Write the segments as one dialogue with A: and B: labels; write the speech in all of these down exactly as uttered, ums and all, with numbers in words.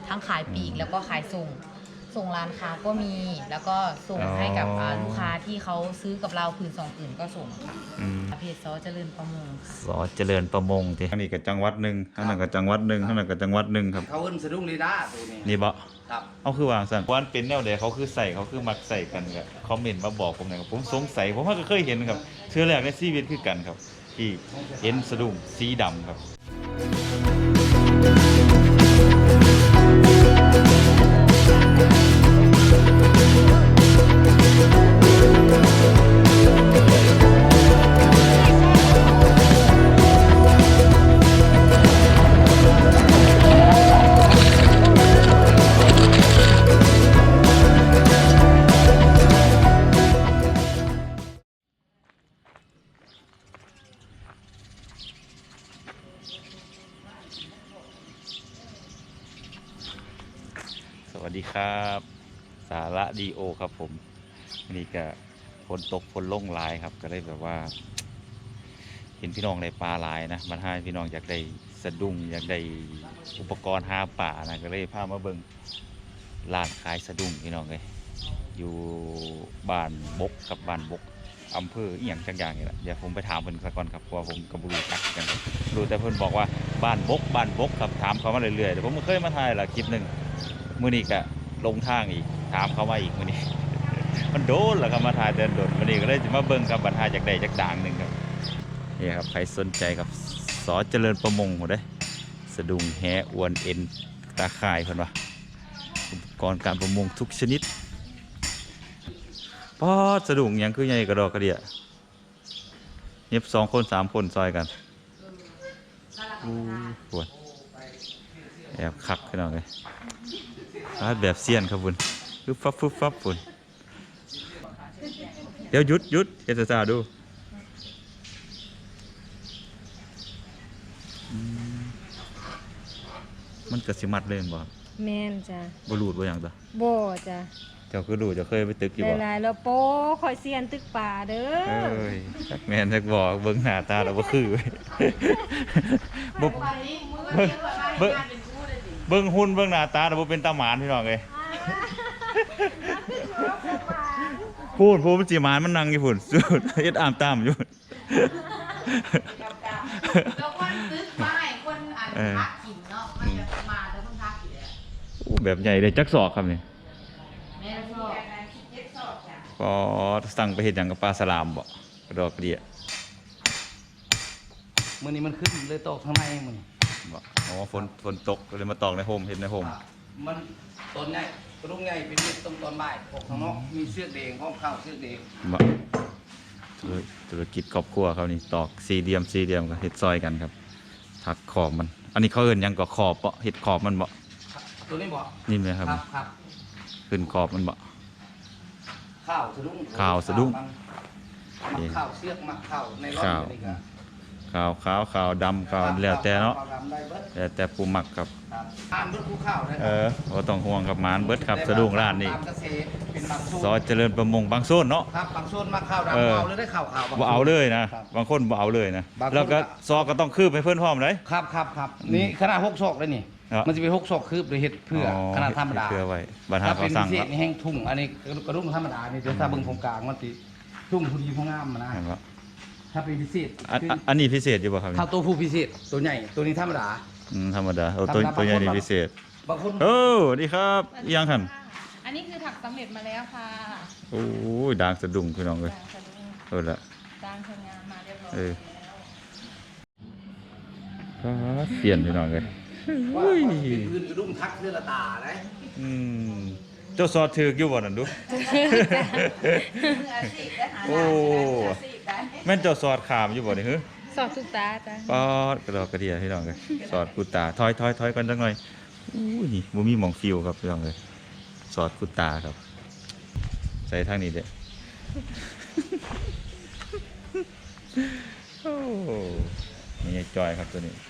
A: ทั้งขายปลีกแล้วก็ขายส่งส่งร้านค้าก็มีแล้วก็ส่งให้กับลูกค้าที่เขาซื้อกับเราผืนสองผืนก็ส่งค่ะเพจซอเจริญประมง
B: ซอเจริญประมงที่อันนี้ก็จังหวัดหนึ่งข้างนั้นก็จังหวัดหนึ่งข้างนั้นก็จังหวัดหนึ่งครับ
C: เขาเอิ้นสะดุ้งลีลาตัวนี้
B: นี่บ่
C: ครับ
B: เอาคือวางสั่งวันเป็นแนวใดเขาคือใส่เขาคือมักใส่กันครับคอมเมนต์มาบอกผมหน่อยครับผมสงสัยผมก็เคยเห็นครับเชื่อแรกในชีวิตคือกันครับที่เห็นสะดุ้งสีดำครับสวัสดีครับสาระดีโอครับผมนี่ก็ฝนตกฝนลงหลายครับก็เลยแบบว่าเห็นพี่น้องในปลาหลายนะมันให้พี่น้องอยากได้สะดุ้งอยากได้อุปกรณ์หาป่านะก็เลยพามาเบิ่งร้านขายสะดุ้งพี่น้องเลยอยู่บ้านบกกับบ้านบกอำเภออีหยังจังอย่างนี่แหละเดี๋ยวผมไปถามเพิ่นก่อนครับเพราะว่าผมกับรู้จักกันรู้แต่เพิ่นบอกว่าบ้านบกบ้านบกครับถามเขามาเรื่อยๆแต่ผมไม่เคยมาถ่ายละคลิปหนึ่งมื้อนี้ก็ลงทางอีกถามเขามาอีกมื้อนี้ มันโดนเหรอครับมาถ่ายแต่โดนมื้อนี้ก็เลยจะมาเบิ่งครับบัดถ่ายจากใดจากด่างหนึ่งครับนี่ครับใครสนใจครับสอเจริญประมงหมดเลยสะดุ้งแหอวนเอ็นตาข่ายเพิ่นว่าอุปกรณ์การประมงทุกชนิดพอสะดุ้งยังคือใหญ่กระดอกกระเดียเย็บสองคนสามคนซอยกันอู้ปวดแอบคักขึ้นหน่อยเลยแบบเซียนครับคุณฟึบฟับฟึบฟับคุณเดี๋ยวหยุดหยุดเฮตซาดูมันกระสิมัดเลยบ่
D: แม่นจ้ะ
B: บ่รูดบ่อย่างตัว
D: บ่จ้ะ
B: เจ้าคือรูดจะเคยไปตึกอยู่บ่
D: หลายๆแล้วโป้คอยเซียนตึกป่าเด้อ
B: เอ้ยจักแม่นจักบอกเบิ่งหน้าตาแล้วบ่คือบ่เบิ่งเบิ่งหุ่นเบิ่งหน้าตาแล้วบ่เป็นตาหมานพี่น้องเอ้ยพูดพูดมันสิหมานมันนั่งอยู่พุ่นสุดเฮ็ดอามตามอยู่
A: แล้วคนตึกไม้คนอันพักกินเนาะมันจะมาแต่คนพักอยู่แล้ว
B: แบบใหญ่เลยจักศอกครับนี่
A: แม่ชอบเจ็ดศอกจ้ะ
B: ก็สั่งไปเห็นอย่างกับปลาสลามบ่กระดอกกระเดีย
C: มื้อนี้มันขึ้นเลยตกข้างในมื้อนี้
B: บ่อ๋อฝนฝนตกเลยมาตอกในโฮมเห็นในโฮม
C: มันต้นใหญ่กระดุมใหญ่เป็นตรงตอนบ่ายออกข้างนอกมีเสือกแดงพร้อมข้าวเสือกแดง
B: บ่ธุรกิจครอบครัวเขานี่ตอกสี่เหลี่ยมสี่เหลี่ยมกับเฮ็ดซอยกันครับถักขอบมันอันนี้เขาเอิ้นหยังก็ขอบบ่เฮ็ดขอบมันบ่
C: ตัวนี้บ่
B: นี่มั้ยครับ
C: ครับ
B: ขึ้นขอบมันบ่
C: ข้าวสะดุ้ง
B: ข้าวสะดุ้ง
C: ข้าวเสือกมักข้าวในรอบนี้ก็
B: ขาวขาวขาวดำขาวแล้วแต่เนาะแล้วแต่ปูหมักครับ
C: อ่านเบิดภูข้าว
B: เออบ่ต้องห่วงครับหมานเบิดครับสะดุ้งร้านนี้ซอเจริญประมงบางโซนเนาะ
C: ครับบางโซนมาข้าวดำเอาเลยได้ข้าวขาว
B: บ่เอาเลยนะบางคนบ่เอาเลยนะแล้วก็ซอก็ต้องคืบให้เพิ่นพร้อมเลย
C: ครับครับครับนี่ขนาดหกศอกเลยนี่มันจะเป็นหกศอกคืบหรือเฮ็ดเพื่อขนาดธรรมดา
B: เพื่อไว้บรรทัดเขาสั่งครับ
C: นี่แห้งทุ่งอันนี้กระดุมธรรมดานี่ถ้าเบิ่งตรงกลางมันสิทุ่งผู้ดีผู้งามนะถ้าเป็นพิเศษ
B: อันนี้พิเศษอยู่ป่ะครับ
C: ข้าวตัวผู้พิเศษตัวใหญ่ตัวนี้ธรรมดา
B: อืมธรรมดาตัวตัวใหญ่นี่พิเศษ
C: บางคน
B: โอ้ดีครับยังหัน
A: อันนี้คือถักสำเร็จมาแล้วค่ะ
B: โอ้ยด่างสะดุ้งพี่น้องเลยเออละ
A: ด่างทำงานมาเรียบร้อย
B: แล้วเปลี่ยนพี่น้องเลย
C: อุ้ยพื้นกระดุมทักเนื้อละตาเลย
B: อืมเจ้าซอถืออยู่บ่นั่นดูโอ้แม่นเจ้าซอดขามอยู่บ่นี่ฮึ
D: สอดทุกตาจ้ะ
B: ปอดกระดอกกระเดียพี่น้องเลยสอดกุตาถอยถอยถอยกันจังหน่อยอู้นี่บ่มีหม่องฟิวครับพี่น้องเลยสอดกุตาครับใส่ทางนี้เด้โอ้นี่จอยครับตัวนี้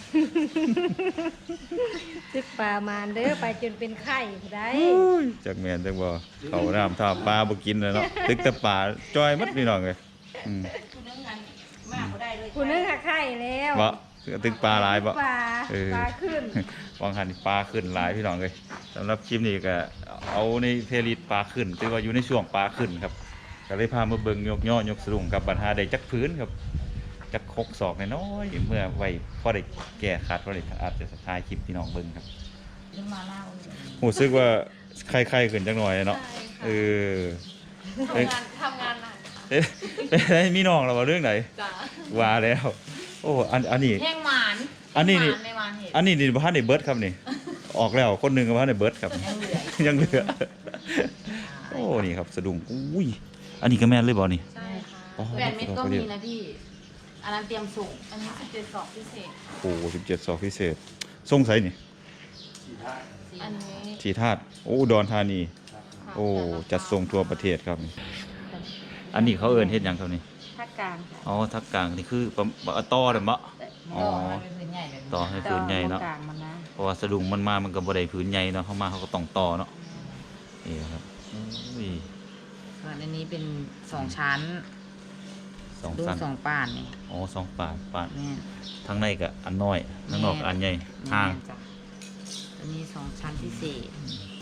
D: ตึกปลามานเด้อไปจนเป็นไข่ได้
B: จากแมนจักบ่เขาน้ำท่าปลาบ่กินเลยเนาะตึกแต่ปลาจอยมัดพี่น้องเลย
D: คุณนึกหาไข่แล้ว
B: บ่ตึกปลาหลายบ่
D: ปลา
B: เออ
D: ปลาขึ้น
B: วางหันปลาขึ้นหลายพี่น้องเลยสำหรับคลิปนี้ก็เอาในเพลย์ลิสต์ปลาขึ้นถือว่าอยู่ในช่วงปลาขึ้นครับก็เลยพามาเบิ่งยกย่อยกสรุงกับปัญหาได้จักพื้นครับจักคกศอกน้อยๆเมื่อไว้พอได้แก้ขาดพอได้อาจจะท้ายคลิปพี่น้องเบิ่งครับ
A: ขึ้นมาเล่า
B: รู้สึกว่าไข้ๆขึ้นจังหน่อยเนาะเออ
E: ทำงานทำงานหนักค่ะ
B: เอ๊ะเป็นไงมีน้องเราว่าเรื่องไหน
E: จ้ะ
B: ว่าแล้วโอ้อันอันนี้
A: แห้งหมาน
B: อันนี้นี่
A: หมานในหมานเห็ด
B: อันนี้นี่บ้านในเบิร์ดครับนี่ ออกแล้วคนหนึ่งกับบ้านในเบิร์ดครับ
A: ยังเหลือ
B: ยังเหลือ โอ้นี่ครับสะดุ้งอุ้ยอันนี้ก็แม่นเลยบอนี่
E: ใช่ค่ะ
B: อ๋อ
A: แหวนเม็ดก็มีนะพี่ อันนั้นเตรียมส่ง
E: อันนี้สิบเจ็ดสอบพิเศษ
B: โอ้สิบเจ็ดสอบพิเศษส่งไสนี่
E: อันนี้
B: ทีธาตุโอ้อุดรธานี
E: ค่ะ
B: โอ้จัดส่งทั่วประเทศครับนี่อันนี้เขาเอิ้นเฮ็ดหยังครับนี่
E: ภาคกลางค่ะ
B: อ๋อทักกลางนี่คือปะปะต่อเด้อมะ อ๋อ
A: ต่อให้เป็นพื้นใหญ่แบบนี้
B: ต่อให้พื้นใหญ่เนาะ
E: กลางมันนะ
B: เพราะว่าสะดุ้งมันมามันก็บ่ได้พื้นใหญ่เนาะเขามาเขาก็ต้องต่อเนาะนี่ครับอุ้ย
A: ส่วนอันนี้เป็นสองชั้น
B: สอง
A: ดู
B: สั้น
A: สองป่านนี่
B: อ๋อสองปาดปาด
A: แม่น
B: ทั้งในก็อันน้อยทั้งนอกก็อันใหญ่ห่าง
A: แม่นจ้ะอันนี้สองชั้นพิเศษ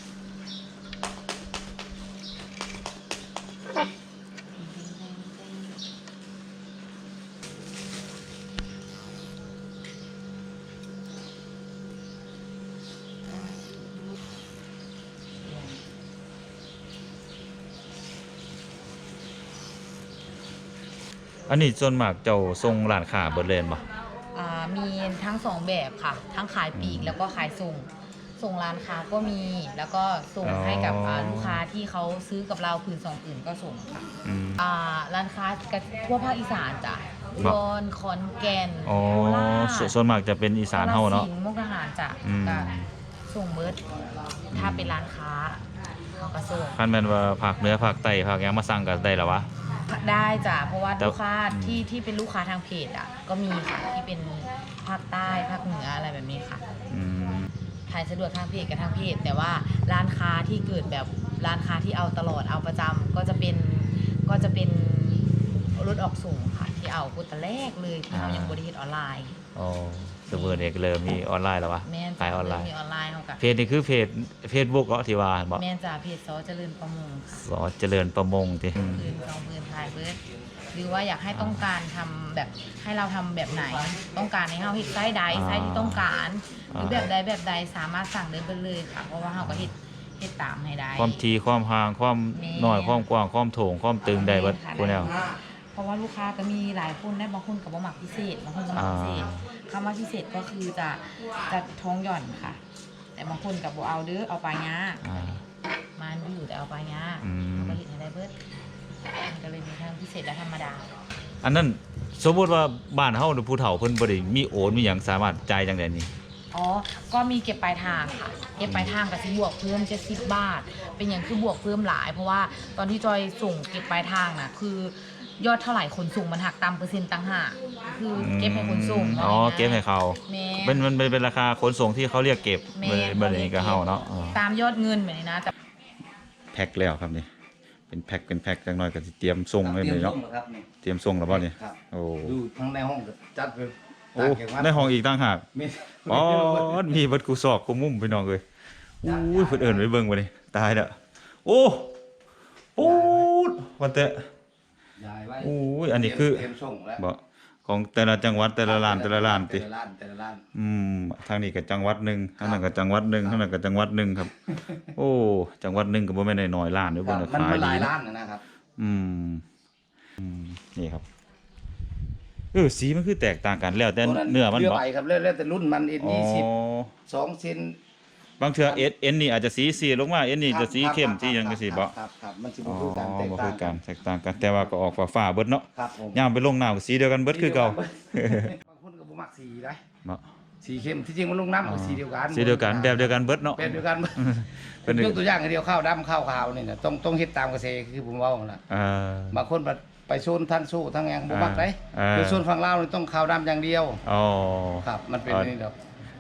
B: อันนี้ส่วนมากเจ้าทรงร้านค้าเบิดเลยบ่
A: อ่ามีทั้งสองแบบค่ะ ทั้งขายปลีกแล้วก็ขายส่ง ส่งร้านค้าก็มี แล้วก็ส่งให้กับอ่าลูกค้าที่เขาซื้อกับเราผืนสองผืนก็ส่งค่ะ
B: อืม
A: อ่าร้านค้ากับทั่วภาคอีสานจ้ะอุ
B: บ่
A: ดรขอนแก่น
B: อ๋อ
A: โคราช
B: ส่วนส่วนมากจะเป็นอีสานเฮาเนาะ
A: กฬสิธุ์มุกดาหารจ้ะ
B: อืม
A: ก็ส่งเบิร์ดถ้าเป็นร้านค้าเขาก็ส่ง
B: คันแม่นว่าภาคเหนือภาคใต้ภาคหยังมาสั่งก็ได้แล้ววะ
A: ได้จ้ะเพราะว่า
B: แต่
A: ลูกค้า
B: อืม
A: ที่ที่เป็นลูกค้าทางเพจอ่ะก็มีค่ะที่เป็นภาคใต้ภาคเหนืออะไรแบบนี้ค่ะ
B: อืม
A: ขายสะดวกทางเพจกับทางเพจแต่ว่าร้านค้าที่เกิดแบบร้านค้าที่เอาตลอดเอาประจำก็จะเป็นก็จะเป็นรถออกส่งค่ะที่เอาพุตแรกเลยที่เรายังบริเฮ็ดออนไลน์
B: อ๋อเสมอเนี่ยก็เริ่มมีออนไลน์แล้ววะ
A: แม่น
B: ขายออนไลน์
A: มีออนไลน์เขากับ
B: เพจนี่คือเพจ Facebook เนาะที่ว่าบ่
A: แม่นจ่าเพจซอเจริญประมงค่ะ
B: สอเจริญประมงติ
A: พื้นสองพื้นทายเบิร์ดหรือว่าอยากให้ต้องการทำแบบให้เราทำแบบไหน ต้องการให้เราเฮ็ดไส้ใดไส้ที่ต้องการหรือแบบใดแบบใดสามารถสั่งได้เบิดเลยค่ะเพราะว่าเราก็เฮ็ดเฮ็ดตามให้ได้
B: ความทีความห่างความ
A: แม่
B: น้อยความกว้างความโถงความตึงได้เบิดพวกแนว
A: เพราะว่าลูกค้าก็มีหลายคนได้บางคนกับบ่มักพิเศษบางคนก็มักพิเศษคำว่าพิเศษก็คือจะจะท้องหย่อนค่ะ แต่บางคนกับบ่เอาเด้อเอาปลาย้า
B: อ่า
A: มันอยู่แต่เอาปลาย้า
B: อืม
A: เขาก็เห็นให้ได้เบิดมันก็เลยมีทั้งพิเศษและธรรมดา
B: อันนั้นสมมุติว่าบ้านเฮาหรือผู้เฒ่าเพิ่นบ่ได้มีโอนมีหยังสามารถจ่ายจังได๋นี่
A: อ๋อ ก็มีเก็บปลายทางค่ะ เก็บปลายทางกับสิบวกเพิ่มเจ็ดสิบบาท เป็นอย่างคือบวกเพิ่มหลาย เพราะว่าตอนที่จอยส่งเก็บปลายทางน่ะ คือยอดเท่าไหร่ขนส่งมันหักตามเปอร์เซ็นต์ต่างหากคือเก็บให้ขนส่ง
B: อ๋อเก็บให้เขา
A: แม่
B: เป็นมันเป็นเป็นราคาขนส่งที่เขาเรียกเก็บ
A: แม่
B: บ่ได้บ่ได้นี่ก็เฮาเนาะอ๋อ
A: ตามยอดเงินแบบนี้นะแต่
B: แพ็คแล้วครับนี่เป็นแพ็คเป็นแพ็คจังน้อยก็สิเตรียมส่งไว้เลยเนาะ
C: ครับนี่
B: เตรียมส่งแล้วบ่นี่
C: ครับ
B: โอ้
C: ดูทั้งในห้องก็จัดไป
B: โอ้ในห้องอีกต่างหาก
C: มี
B: อ๋อมีเบัดกูซอกกูมุมพี่น้องเอ้ยอุ้ยเพิ่นเอิ้นไว้เบิ่งบ่นี่ตายแล้วโอ้ปูดว่าแต่
C: ยายไว้
B: โอ้ยอันนี้คือ
C: เตรียมส่งแล้ว
B: บ่ของแต่ละจังหวัดแต่ละร้านแต่ละร้านติ
C: แต่ละร้านแต่ละร้าน
B: อืมทางนี้ก็จังหวัดหนึงทางนั้นก็จังหวัดหนึงทางนั้นก็จังหวัดหนึงครับ โอ้จังหวัดหนึงก็บ่แม่นน้อยๆร้านเด้อ
C: ค
B: เบิ่
C: รั
B: ง
C: บ
B: ก็
C: มัน
B: ขาย
C: มันห
B: ดี
C: ลาย
B: นะ
C: ร้านนะครับ
B: อืมอืมนี่ครับเออสีมันคือแตกต่างกันแล้วแต่เนื้อมัน
C: เนื้อ
B: บ่
C: ใบครับแล้วแล้วแต่รุ่นมันเอ็น
B: อ๋อ
C: ยี่สิบสองเซน
B: บางเทื่อเอสเอ็นนี่อาจจะสีสีลงมาเอ็นนี่จะสีเข้มสีหยังจังซี่บ่
C: ครับครับมันสิ
B: อ๋
C: บ่
B: อ
C: คือกันแตก
B: บ่
C: ต่า
B: คื
C: ง
B: อกันแตกต่างกันแต่ว่าก็ออกฟ้าๆเบิดเนาะ
C: ครับผม
B: ยามไปลงน้ำก็สีเดียวกันเบิดคือเก่า
C: บางคนก็บ่มักสีได้
B: เนาะ
C: สีเข้มที่จริงมันลงน้ำก็สีเดียวกัน
B: สีเดียวกันแบบเดียวกันเบิดเนาะ
C: แบบเดียวกัน
B: เป็น
C: ยกตัวอย่างอันเดียวข้าวดำข้าวขาวนี่นะต้องต้องเฮ็ดตามเกษตรคือผมเว้านั่นล่ะ
B: อ่า
C: บางคนไปไปโซนทั้งสู้ทั้งหยังบ่มักได้
B: อ่า
C: คือโซนฝั่งลาวนี่ต้องข้าวดำอย่างเดียว
B: อ๋อ
C: ครับ มันเป็น
B: อ่า
C: นี่ดอก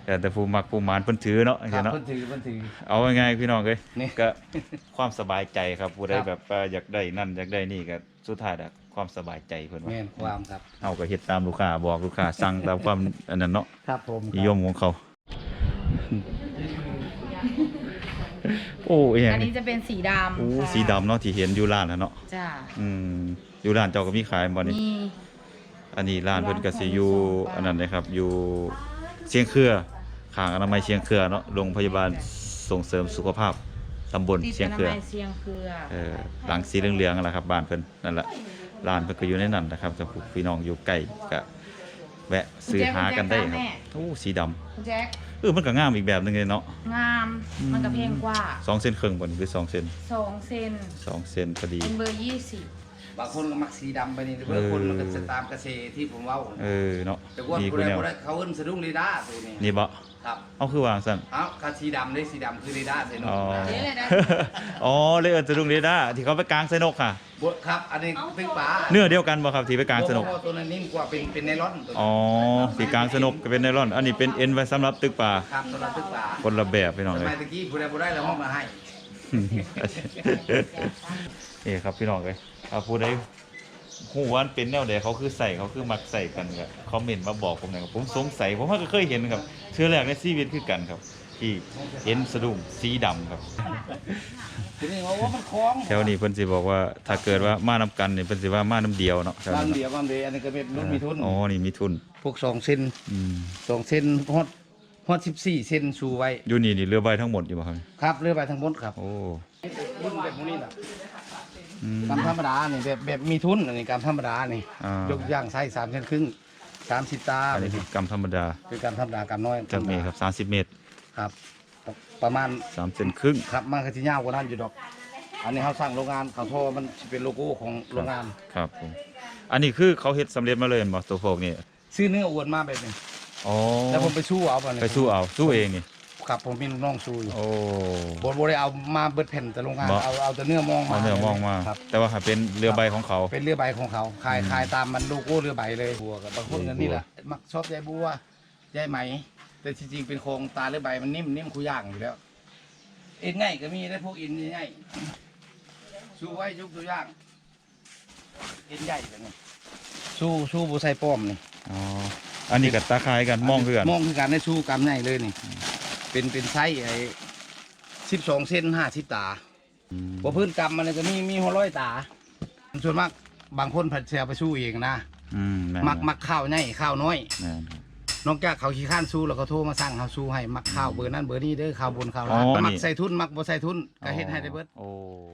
B: แต่แต่ผู้มักผู้หมานเพิ่นถือเนาะ
C: ครั
B: เห็
C: บ
B: นเนาะ
C: เพิ่นถือเพิ่นถือ
B: เอาง่ายๆพี่น้องเอ้ย
C: นี่
B: ก็ความสบายใจครับผู้ใด
C: ครับ
B: แบบว่าอยากได้นั่นอยากได้นี่ก็สุดท้ายแล้วความสบายใจเพิ่นว่า
C: แม่นความครับ
B: เอาก็เฮ็ดตามลูกค้าบอกลูกค้าสั่งตามความอันนั้นเนาะ
C: ครับผม
B: นิยมของเขา โอ้ย
A: อันนี้จะเป็นสีดำ
B: โอ้
A: ค่ะ
B: สีดำเนาะที่เห็นอยู่ร้านนะเนาะ
A: จ้า
B: อืมอยู่ร้านเจ้าก็มีขายบ่นี่
A: มี
B: อันนี้ร้านเพิ่นก็สิอยู่อันนั้นนะครับอยู่เชียงเครือข้างอนามัยเชียงเครือเนาะโรงพยาบาลส่งเสริมสุขภาพตำบล
A: ติด
B: เชียง
A: อนา
B: เครือ
A: มัยเชียงเครือ
B: เออหลังสีเหลืองๆนั่นแหละครับบ้านเพิ่นนั่นแหละร้านเพิ่นก็อยู่ในนั้นนะครับถ้าผู้พี่น้องอยู่ใกล้ก็แวะซื้อหากันได้ครับโอ้สีดำ
A: คุณแจ็ค
B: เออมันก็งามอีกแบบหนึงเลยเนาะ
A: งามมันก็เพลงกว่า
B: สองเส้นครึ่งบ่นี่หรือสองเส้น
A: สองเซน
B: สองเส้นพอดี
A: เป็นเบอร์ยี่สิบบ
C: างคนก็มักสีดำไปนี่บางคนมันก็จะตามกระเซที่ผมเว้า
B: เออเนาะ
C: แต่ว่า
B: มี
C: ผู้
B: ผู้
C: ใด
B: แนว
C: บ่ได้เขาเอิ้นสะดุ้งเรดาร์ตัวนี้
B: นี่บ่
C: ครับ
B: เอาคือวางซั่น
C: เอ้าคันสีดำได้สีดำคือเรดาร์ใส่นก
B: อ๋อ
C: นะ
A: นี่เลยนะ
B: อ๋อเลยเอิ้นสะดุ้งเรดาร์ที่เขาไปกลางใส่นกค่ะ
C: บ่ครับอันนี้เป็นปลา
B: เนื้อเดียวกันบ่ครับที่ไปกลางสนุก
C: บ่บ่ตัวนั้นนิ่มกว่าเป็นเป็นไนลอนตัวนี้
B: อ๋อสีกลางสนุกก็เป็นไนลอน อันนี้เป็นเอ็นไว้สำหรับตึกปลา
C: ครับตัวนั้นเป็นปลา
B: คนละแบบพี่น้อง
C: ส
B: เลย
C: มัยตะกี้ผู้ใดบ่ได้แล้วห้องมาให้
B: นี่ครับพี่น้องเลยเอาผู้ใดหูวามันเป็นแนวใดเขาคือใส่เขาคือมักใส่กันครับคอมเมนต์มาบอกผมหน่อยครับผมสงสัยผมว่าก็เคยเห็นครับเชื่อแรกในชีวิตคือกันครับ ที่เห็นสะดุ้งสีดำครับ
C: ทีนี้ว่าว่ามันคล้อง
B: แถวนี้เพิ่นสิบอกว่าถ้าเกิดว่ามาน้ำกันเนี่ยเพิ่นสิว่ามาน้ำเดียวเนาะแถว
C: บาง
B: นี้
C: เดียวบางเดียวอันนี้ก็เป็นรุ่นมีทุน
B: อ๋อนี่มีทุน
C: พวกสองเส้น
B: อืม
C: สองเส้นฮอดฮอดสิบสี่เส้นชูไว้
B: อยู่นี่นี่เรือใบทั้งหมดอยู่บ่ครับ
C: ครับเรือไปทั้งหมดครับ
B: โอ้
C: รุ่นแบบนี้แหละ
B: อืม
C: กำธรรมดานี่แบบแบบมีทุนอันนี้กำธรรมดานี่
B: อ่าย
C: กย่างไส้สามเส้นครึ่งสามสิบตา
B: อันนี้คือกำธรรมดา
C: เป็นกำธรรมดากำน้อย
B: จากเมตรครับสามสิบเมตร
C: ครับ ประมาณ
B: สามเซนครึ่ง
C: ครับมันก็จะยาวกว่านั้นอยู่ดอก อันนี้เขาสร้างโรงงานเขาโทรมันสิเป็นโลโก้ของโรงงาน
B: ครับผมอันนี้คือเขาเฮ็ดสำเร็จมาเลยบ่ตัวโฟกนี่
C: ซื้อเนื้ออวนมาแบบนี้
B: อ๋อ
C: แล้วผมไปสู้เอาไป
B: ไปสู้เอาสู้เองนี่
C: ครับผมมีลูกน้องสู้อยู่
B: โอ้
C: บดบได้เอามาเบิดแผ่นแต่โรงงาน
B: บ่
C: เอาเอาแต่เนื้อมองมา
B: เอาเนื้อมองมา
C: ครับ
B: แต่ว่าหาเป็นเรือใบของเขา
C: เป็นเรือใบของเขาขาย
B: อืม
C: ขายตามมันโลโก้เรือใบเลยบัวกับบางคน
B: โอ้
C: กันนี่แหละมักชอบยายบัวยายไหม แต่จริงๆเป็นโครงตาเรือใบมันนิ่มนิ่มคุย่างอยู่แล้ว เอ็นง่ายก็มีได้พวกเอ็นง่ายๆสู้ไว้ยกตัวอย่างเอ็นใหญ่แบบนี้สู้สู้บุใส่ป้อมนี่
B: อ๋ออันนี้กับตาคายกันมองคือกัน
C: มองคือการได้สู้กำใหญ่เลยนี่ เป็นเป็นไซส์ไอ้สิบสองเซนห้าสิบตา
B: อืม
C: พอพื้นกำมันก็มีมีหัวร้อยตา ส่วนมากบางคนผัดเสียไปสู้เองนะ
B: อืมแม่น
C: มักมักข้าวใหญ่ข้าวน้อย
B: แม่นครับ
C: นอกจากเขาขี้ข้านสู้แล้วเขาโทรมาสั่งเขาสู้ให้มักข้าวเบอร์นั้นเบอร์นี้เด้อข้าวบนข้าว
B: อ๋
C: ล่าง
B: อ
C: มัก
B: นี่
C: ใส่ทุนมักบ่ใส่ทุนก็เฮ็ดให้ได้เบิด
B: โอ้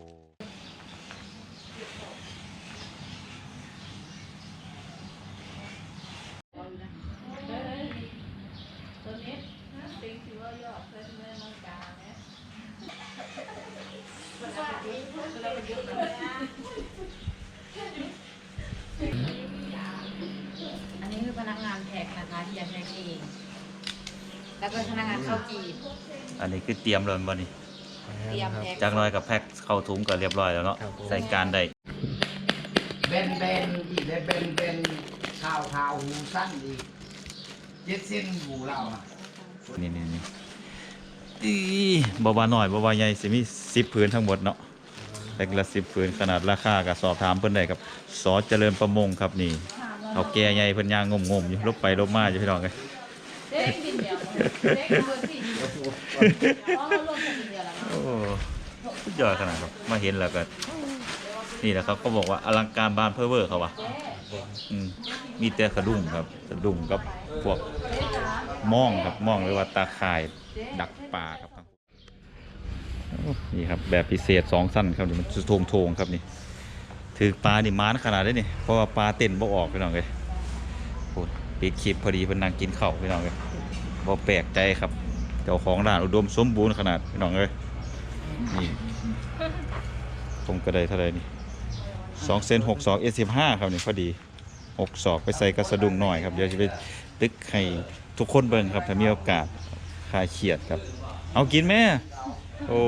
A: อันนี้คือพนักงานแพ็คนะคะที่จะแพ็คเองแล้วก็พนักงานเข้าจีบ
B: อันนี้คือเตรียมเลยบ่นี่
A: เตรียมแพ็ค
B: จากหน้อยกับแพ็คเข้าถุงก็เรียบร้อยแล้วเนาะใส่การได้
C: เบนเบนอีกได้เบนเบนข้าวข้าวหูสั้นอีกเจ็ดเส้นหูเราอะ
B: นี่นี่นี่อีบ่ว่าน้อยบ่ว่าใหญ่สิมีสิบผืนทั้งหมดเนาะแพ็คละสิบผืนขนาดราคาก็สอบถามเพิ่นได้ครับสอเจริญประมงครับนี่เอาแก่ใหญ่เพิ่นย่างงมๆอยู่ลบไปลบมาอยู่พี่น้องเอ้ย
E: เด็กดินเดียวเด็กเบอร์สี่เดียวเพราะเรารวมกันดินเดียวแล้วเนาะ
B: โอ้สุดยอดขนาดครับมาเห็นแล้วก็นี่แหละครับเขาบอกว่าอลังการบานเพ้อเวอร์เขาว่ะอืมมีแต่กระดุมครับกระดุมกับพวกม่องครับม่องหรือว่าตาข่ายดักปลาครับโอ้นี่ครับแบบพิเศษสองสั้นครับนี่มันโทงโทงๆครับนี่ถือปลานี่ม้านขนาดนี้นี่เพราะว่าปลาเต้นบ่ออกพี่น้องเลยโอ้ปิดคลิปพอดีเพิ่นนั่งกินข้าวพี่น้องเลยบ่แปลกใจครับเจ้าของร้านอุดมสมบูรณ์ขนาดพี่น้องเลยนี่ผมก็ได้เท่าไหร่นี่สองเซนหกศอกเอสิบห้าครับนี่พอดีหกศอกไปใส่กระสะดุงหน่อยครับเดี๋ยวจะไปตึกให้ทุกคนเบิ่งครับถ้ามีโอกาสคลายเครียดครับเอากินไหมโอ้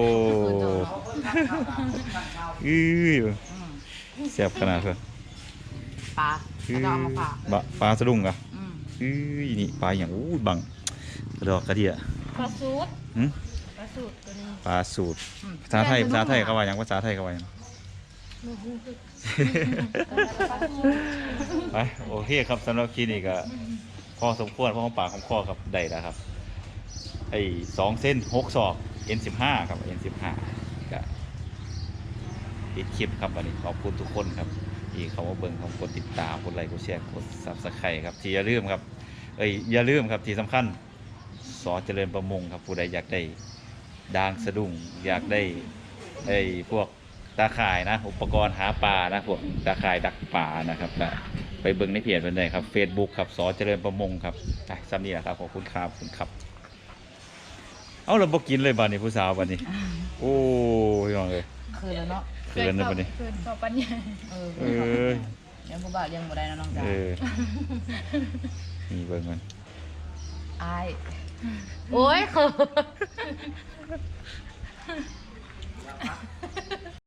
B: อื้อเสียบขนาดเพื่อ
A: ปลาแล้วก็เอามาฝาก
B: บะปลาสะดุ้งเหรอ่ะ
A: อืม
B: อื้อนี่ปลาอย่างอู้บังกระดอกกระเดีย
D: ปลาสูตร
B: หึ
D: ปลาสูตรตัวนี้
B: ปลาสูตรภาษาไทยภาษาไทยเขาว่าหยังภาษาไทยเขาว่าหยัง
D: โอ้โห
B: ไปโอเคครับสำหรับคลิปนี้ก็พอสมควรพอของปากของคอครับได้แล้วครับไอ้สองเส้นหกศอก เอ็น สิบห้า ครับ เอ็น สิบห้า ก็ปิดคลิปครับวันนี้ขอบคุณทุกคนครับที่เขามาเบิ่งเขากดติดตามกดไลค์กดแชร์กด ซับสไครบ์ ครับที่อย่าลืมครับเอ้ยอย่าลืมครับที่สำคัญสอเจริญประมงครับผู้ใดอยากได้ดางสะดุ้งอยากได้ไอ้พวกตาข่ายนะอุปกรณ์หาปลานะพวกตาข่ายดักปลานะครับก็ไปเบิ่งในเพจเพิ่นได้ครับ Facebook ครับสอเจริญประมงครับไปซ้ำนี่แหละครับขอบคุณครับขอบคุณครับเอาเราบ่กินเลยบัดนี้ผู้สาวบัดนี้โอ้ยน้องเอ้ย
A: คือแล้วเนาะ
B: เขินนะบัดนี้
D: เกินต่อปัญญา
A: เออ
B: เออ
A: ยังผู้บ่าวยังบ่ได้นะน้องจ๋า
B: เออนี่เบิ่งมัน
A: อายโอ้ยคือ